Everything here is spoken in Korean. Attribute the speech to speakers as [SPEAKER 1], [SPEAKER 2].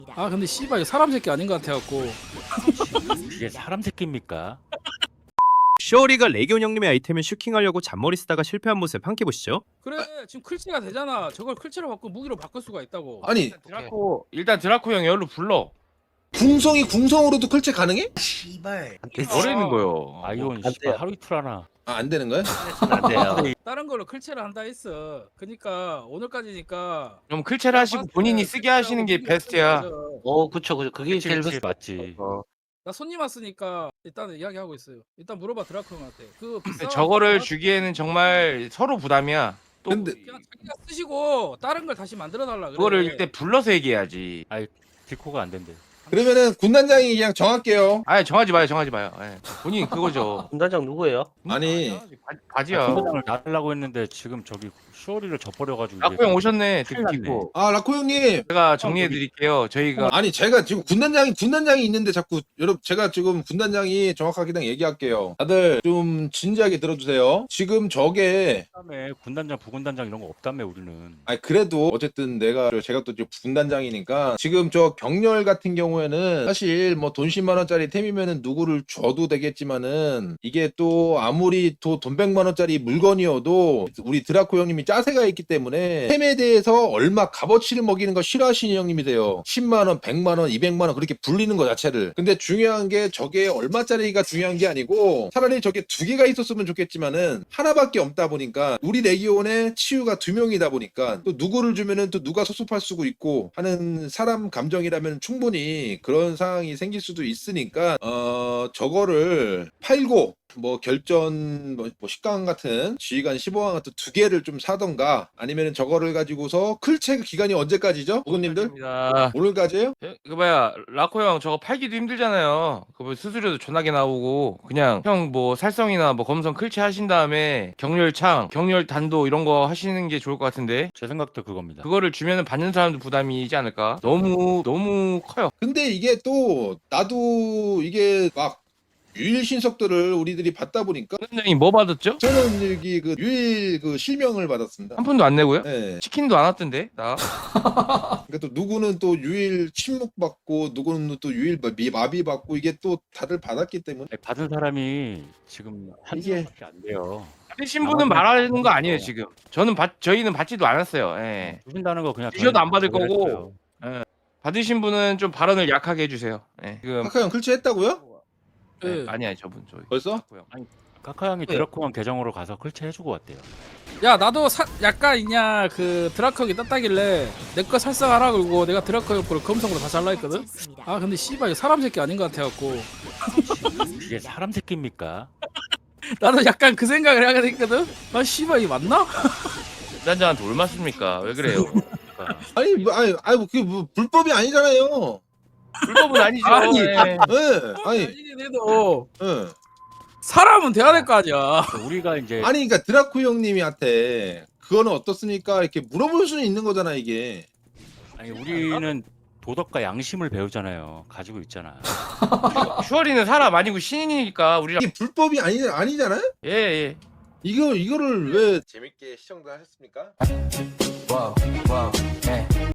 [SPEAKER 1] 아 근데 씨발 이거 사람 새끼 아닌 것 같아갖고.
[SPEAKER 2] 이게 사람 새끼입니까?
[SPEAKER 3] 쇼리가 레기온 형님의 아이템을 슈킹하려고 잔머리 쓰다가 실패한 모습 함께 보시죠.
[SPEAKER 1] 그래 지금 클체가 되잖아. 저걸 클체로 바꿔 무기로 바꿀 수가 있다고.
[SPEAKER 4] 아니
[SPEAKER 5] 일단 드라코 형 열로 불러.
[SPEAKER 4] 궁성이 궁성으로도 클체 가능해?
[SPEAKER 6] 씨발
[SPEAKER 5] 뭐라는 거요?
[SPEAKER 2] 아이온
[SPEAKER 6] 안
[SPEAKER 2] 씨발
[SPEAKER 6] 돼요.
[SPEAKER 2] 하루 이틀 하나.
[SPEAKER 4] 아, 안 되는 거야?
[SPEAKER 6] 안 돼요.
[SPEAKER 1] 다른 걸로 클체를 한다 했어. 그니까 오늘까지니까.
[SPEAKER 5] 그럼 클체를 하시고 본인이 쓰게 하시는 게 베스트야.
[SPEAKER 6] 그쵸 그게
[SPEAKER 2] 그치,
[SPEAKER 6] 제일
[SPEAKER 2] 그치,
[SPEAKER 6] 베스트.
[SPEAKER 2] 맞지.
[SPEAKER 1] 나 손님 왔으니까 일단 이야기하고 있어요. 일단 물어봐 드라크 형한테. 그 비싼
[SPEAKER 5] 저거를
[SPEAKER 1] 거
[SPEAKER 5] 주기에는 정말 서로 부담이야. 또
[SPEAKER 4] 근데
[SPEAKER 1] 그냥 자기가 쓰시고 다른 걸 다시 만들어 달라 그래.
[SPEAKER 5] 그거를 일단 불러서 얘기해야지.
[SPEAKER 2] 디코가 안 된대.
[SPEAKER 4] 그러면은 군단장이 그냥 정할게요.
[SPEAKER 5] 아니 정하지 마요. 예. 본인 그거죠.
[SPEAKER 6] 군단장 누구예요?
[SPEAKER 4] 아니
[SPEAKER 5] 바지야.
[SPEAKER 2] 팀장을 나가려고 했는데 지금 저기 쇼리를 져버려가지고.
[SPEAKER 5] 라코 형 오셨네.
[SPEAKER 2] 큰일 났네.
[SPEAKER 5] 듣고.
[SPEAKER 4] 아 라코 형님.
[SPEAKER 5] 제가 정리해 드릴게요. 저희가
[SPEAKER 4] 아니 제가 지금 군단장이 있는데 자꾸 여러분 제가 지금 군단장이 정확하게 그냥 얘기할게요. 다들 좀 진지하게 들어주세요. 지금 저게
[SPEAKER 2] 다음에 군단장, 부군단장 이런 거 없다며 우리는.
[SPEAKER 4] 아니 그래도 어쨌든 제가 또 지금 군단장이니까 지금 저 경렬 같은 경우에는 사실 뭐 돈 10만 원짜리 템이면은 누구를 줘도 되겠지만은 이게 또 아무리 돈 100만 원짜리 물건이어도 우리 드라코 형님이 짜세가 있기 때문에 템에 대해서 얼마 값어치를 먹이는 거 싫어하시는 형님이세요. 10만 원, 100만 원, 200만 원 그렇게 불리는 거 자체를. 근데 중요한 게 저게 얼마짜리가 중요한 게 아니고 차라리 저게 두 개가 있었으면 좋겠지만은 하나밖에 없다 보니까 우리 레기온에 치유가 2명이다 보니까 또 누구를 주면은 또 누가 섭섭할 수도 있고 하는 사람 감정이라면 충분히 그런 상황이 생길 수도 있으니까 저거를 팔고 뭐 결전 뭐 식강 같은 지휘관 15강 같은 두 개를 좀 사던가 아니면은 저거를 가지고서 클체 기간이 언제까지죠? 부모님들?
[SPEAKER 5] 입니다.
[SPEAKER 4] 오늘까지예요?
[SPEAKER 5] 그 뭐야 라코 형 저거 팔기도 힘들잖아요. 그뭐 수수료도 존나게 나오고 그냥 형 뭐 살성이나 뭐 검성 클체 하신 다음에 경렬창, 경렬 단도 이런 거 하시는 게 좋을 것 같은데
[SPEAKER 2] 제 생각도 그겁니다.
[SPEAKER 5] 그거를 주면은 받는 사람도 부담이지 않을까? 너무 커요.
[SPEAKER 4] 근데 이게 또 나도 이게 막 유일 신석들을 우리들이 받다 보니까
[SPEAKER 5] 선생님 뭐 받았죠?
[SPEAKER 4] 저는 여기 그 유일 그 실명을 받았습니다.
[SPEAKER 5] 한 푼도 안 내고요?
[SPEAKER 4] 네.
[SPEAKER 5] 치킨도 안 왔던데 나.
[SPEAKER 4] 그러니까 또 누구는 또 유일 침묵 받고 누구는 또 유일 마비 받고 이게 또 다들 받았기 때문에
[SPEAKER 2] 아니, 받은 사람이 지금 한
[SPEAKER 4] 이게-
[SPEAKER 2] 명밖에 안 돼요.
[SPEAKER 5] 받으신 분은 말하는 거 아니에요 지금. 저희는 받지도 않았어요. 예.
[SPEAKER 2] 주신다는 거 그냥
[SPEAKER 5] 주셔도 안 받을
[SPEAKER 2] 저희가
[SPEAKER 5] 거고.
[SPEAKER 2] 했어요.
[SPEAKER 5] 받으신 분은 좀 발언을 약하게 해주세요. 예. 지금
[SPEAKER 4] 카카 형 클치 했다고요?
[SPEAKER 1] 네.
[SPEAKER 5] 아니야 저분 저희.
[SPEAKER 4] 벌써?
[SPEAKER 5] 라코 형.
[SPEAKER 2] 카카 형이 드라코왕 계정으로 가서 클체 해주고 왔대요.
[SPEAKER 1] 야 나도 약간 있냐 그 드라크 형이 땄다길래 내 거 살상하라 그러고 내가 드라크 형 거를 검성으로 다 잘라 했거든. 아 근데 씨발 이거 사람 새끼 아닌 것 같아갖고.
[SPEAKER 2] 이게 사람 새끼입니까?
[SPEAKER 1] 나도 약간 그 생각을 하게 됐거든. 아 씨발 이거 맞나?
[SPEAKER 5] 군단장한테 올 맞습니까? 왜 그래요?
[SPEAKER 2] 그러니까
[SPEAKER 4] 아니 그게 뭐 불법이 아니잖아요.
[SPEAKER 5] 불법은 아니죠.
[SPEAKER 1] 아니.
[SPEAKER 5] 예.
[SPEAKER 4] 예. 아니
[SPEAKER 1] 아니긴 해도
[SPEAKER 4] 예.
[SPEAKER 1] 사람은 돼야 될 거 아니야.
[SPEAKER 2] 우리가 이제
[SPEAKER 4] 아니 그러니까 드라쿠 형님한테 그거는 어떻습니까? 이렇게 물어볼 수는 있는 거잖아 이게.
[SPEAKER 2] 우리는 도덕과 양심을 배우잖아요. 가지고 있잖아.
[SPEAKER 5] 슈어리는 사람 아니고 신인이니까 우리랑
[SPEAKER 4] 이게 불법이 아니잖아요?
[SPEAKER 5] 예.
[SPEAKER 4] 이거를 왜 재밌게 시청자 하셨습니까?
[SPEAKER 7] Whoa, whoa, hey.